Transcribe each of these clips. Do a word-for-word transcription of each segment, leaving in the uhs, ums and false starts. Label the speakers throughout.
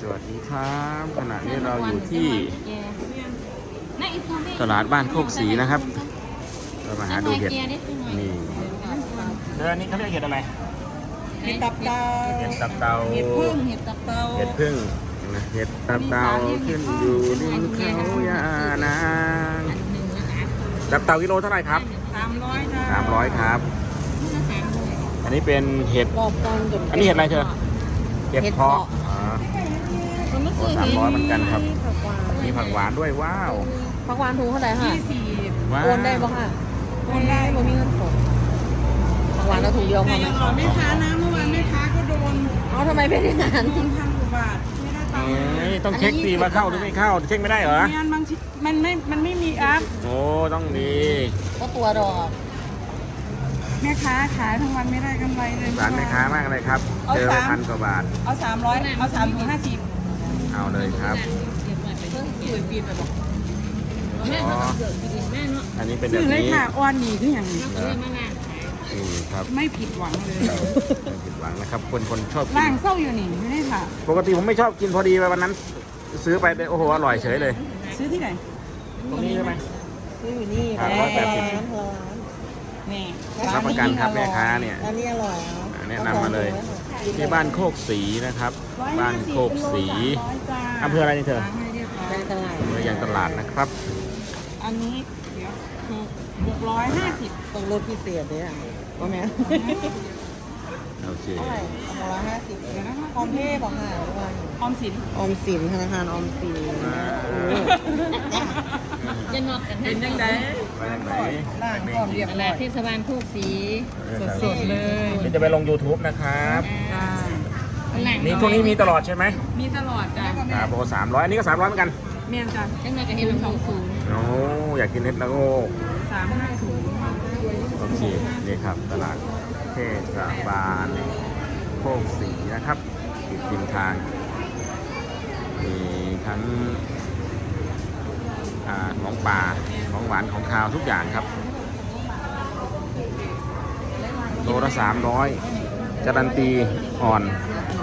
Speaker 1: สวัสดีครับขณะนี้เราอยู่ที่ตลาดบ้านโคกศรีนะครับเรามาหาดูเห็ดนี่เดือนนี้เขาเรียกเห็ดอะไร
Speaker 2: เห็ดตับเตา
Speaker 1: เห็ดตับเตา
Speaker 2: เห็ดพึ่งเห็ดตับเตา
Speaker 1: เห็ดพึ่งเห็ดตับเตาขึ้นอยู่ริมเขายานางตับเตากิโลเท่าไหร่ครับ
Speaker 2: สามร้อยค่ะ
Speaker 1: สามร้อยครับอันนี้เป็นเห็ดอันนี้เห็ดอะไรเธอเห็ดเพาะโอ้สามร้อยเหมือนกันครับมีผักหวานด้วยว้าว
Speaker 3: ผักหวานถุงเท่าไหร่ค่ะ
Speaker 2: ยี่สิบ
Speaker 3: โอนได้ป่ะค่ะโอนได้บ่มีเงินสดผักหวานเราถุงเดียวพอไหม
Speaker 2: แต่ยังรอแม่ค้านะเมื่อวานแม่ค้าก็โดน
Speaker 3: เอาทำไมเป็นอย่างนั้น
Speaker 2: โดนพันกว่าบาทไม่ได้ตังค์
Speaker 1: ต้องเช็คดีว่าเข้าหรือไม่เข้าเช็คไม่ได้เหรอ
Speaker 2: งานบางทีมันไม่มันไม่มีแอป
Speaker 1: โอ้ต้องดี
Speaker 3: ก็ตัวดอก
Speaker 2: แม่ค้าขายทั้งวันไม่ได้กำไรเลย
Speaker 1: ร้านแม่ค้ามากเลยครับเจอพันกว่าบาท
Speaker 2: เอาสามร้อยเอาสามถุงห้าสิบ
Speaker 1: เอาเลยครับอ๋ออันนี้เป็นแบบนี้
Speaker 2: เลยค่ะอ้อนนี่คืออย่างนี้
Speaker 1: ครับ
Speaker 2: ไม่ผิดหวังเลย
Speaker 1: ไม่ผิดหวังนะครับคนคนชอบกิน
Speaker 2: ร่างเศร้าอยู่นี่ไม่ได้ค่ะ
Speaker 1: ปกติผมไม่ชอบกินพอดีวันนั้นซื้อไปโอ้โหอร่อยเฉยเลย
Speaker 2: ซื้อที่ไหน
Speaker 1: ตรงนี้ใช่ไหม
Speaker 3: ซื้ออยู่นี่
Speaker 1: ร้อยแปดสิบ
Speaker 2: นี่
Speaker 1: รับประกันครับแม่ค้าเนี่ย
Speaker 3: อันนี้อร่อย
Speaker 1: แนะนำมาเลยที่บ้านโคกศรีนะครับบ้านโคกศรีอำเภออะไรนี่เธอ
Speaker 3: ตลาด
Speaker 1: อำเภอยางตลาดนะครับ
Speaker 2: อันนี้เดี๋ยวหกร้อยห้าสิบ
Speaker 3: ตรงรถพิเศษเนี่ยว่าแม่
Speaker 1: โอเค
Speaker 3: เท่าไหร่หกร้อยห้าสิบออมเพ่บอกค่ะ
Speaker 2: ออมสิน
Speaker 3: ออมสินธนาคารออมสิน
Speaker 2: จะนอกกันเป็นยังไง
Speaker 1: ไปยังไง
Speaker 2: ล่างก่อนเรียบร้อย
Speaker 3: เทศบาลโคกศรี
Speaker 2: สดๆเลย
Speaker 1: เดี๋ยวจะไปลง ยูทูบ นะครับนี่พวกนี้มีตลอดใช่ไหม
Speaker 2: มีตลอดจ้ะ
Speaker 1: ครับโปรสามร้อยอันนี้ก็สามร้อยเหมือนกัน
Speaker 2: เมียนจ้ะ
Speaker 3: ยังไงก็เห็นสองศูนย์
Speaker 1: โอ้อยากกินเห็ดละโง
Speaker 2: สามห้าศูนย์
Speaker 1: โอเคนี่ครับตลาดเทศบาลโคกศรีนะครับติดริมทางมีทั้งของป่าของหวานของคาวทุกอย่างครับโลละสามร้อยการันตีอ่อน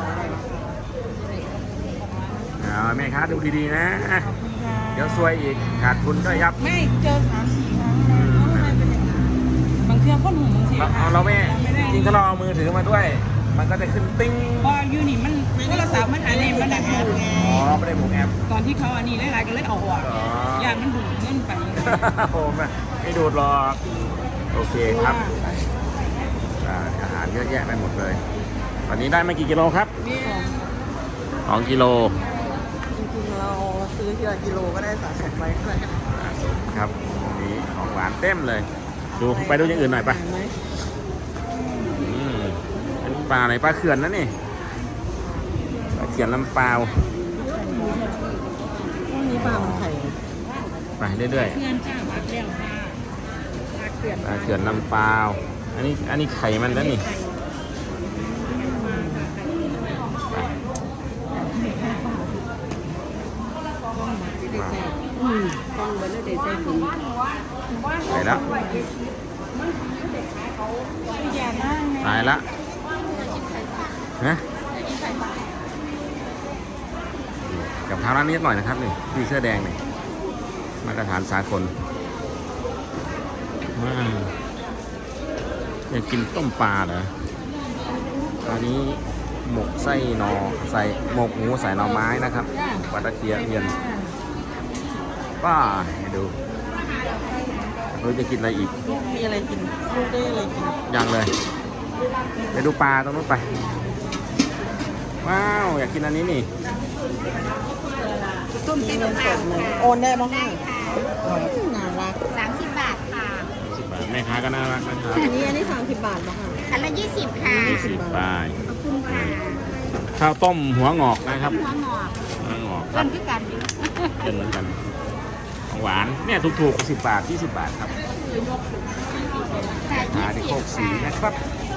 Speaker 1: เอาแม่ค้าดูดีๆนะเดี๋ยวซวยอีกขาดทุนก็ยับ
Speaker 2: ไม่เจอสามสี่ครั้งบางเทื่อก้นหูบางที
Speaker 1: เราไม่จริงถ้าเราเอามือถือมาด้วยมันก็จะขึ้นติ้ง
Speaker 2: พอยูนี่มันโทรศัพท์มันอันนี้มันดัง
Speaker 1: อ๋อไม่ได้บุกแอป
Speaker 2: ตอนที่เขาอันนี้หลายๆก็เลยเอาออกอย่างมันดูดเงินไป
Speaker 1: โอ้ไม่ไม่ดูดหรอกโอเคครับอาหารเยอะแยะไปหมดเลยวันนี้ได้มากี่กิโลครับสองกิโล
Speaker 3: จริงๆเราซื้อทีละกิโลก็ได้สะสมไว้เลย
Speaker 1: ครับวันนี้ของหวานเต็มเลยดูไปดูอย่างอื่นหน่อยปะอันนี้ปลาอะไรปลาเขื่อนนะนี่ปลาเขื่อนลำปาว
Speaker 3: นี่ปลามันไข่
Speaker 1: ไปเรื่อยๆปลาเขื่อนลำปาวอันนี้อันนี้ไข่มันแล้วนี่ไปแล้วตายละนะกับข้าวร้านนี้หน่อยนะครับนี่พี่เสื้อแดงนี่มาตรฐานสากลว้าวอยากกินต้มปลาเหรออันนี้หมกไส้หนอใส่หมกหมูใส่หน่อไม้นะครับปลาตะเคียนเทียนป้าให้ดูเราจะกินอะไรอีก
Speaker 3: มีอะไรกินลูกได้อะไรกิน
Speaker 1: ยังเลยไปดูปลาตรงนู้นไปว้าวอยากกินอันนี้นี่
Speaker 3: ต้มเส้นสดเลยโอนได้บ้างได้ค่ะน่ารัก
Speaker 4: สามสิบบาทค่ะ
Speaker 1: สิบบาทแม่ค้าก็น่ารักนะครับ
Speaker 3: อันนี้อันนี้สามสิบบาทบ้างค่ะ
Speaker 4: อันละยี่สิบค่ะ
Speaker 1: ยี่สิบบาท
Speaker 4: ขอบคุณค่ะ
Speaker 1: ข้าวต้มหัวงอกนะครับ
Speaker 4: หัวงอก
Speaker 1: หัวงอก
Speaker 4: กันคือกัน
Speaker 1: เป็นเหมือนกันหวานเนี่ยถูกๆสิบบาทยี่สิบบาทครับมาที่โคกศรีนะครับ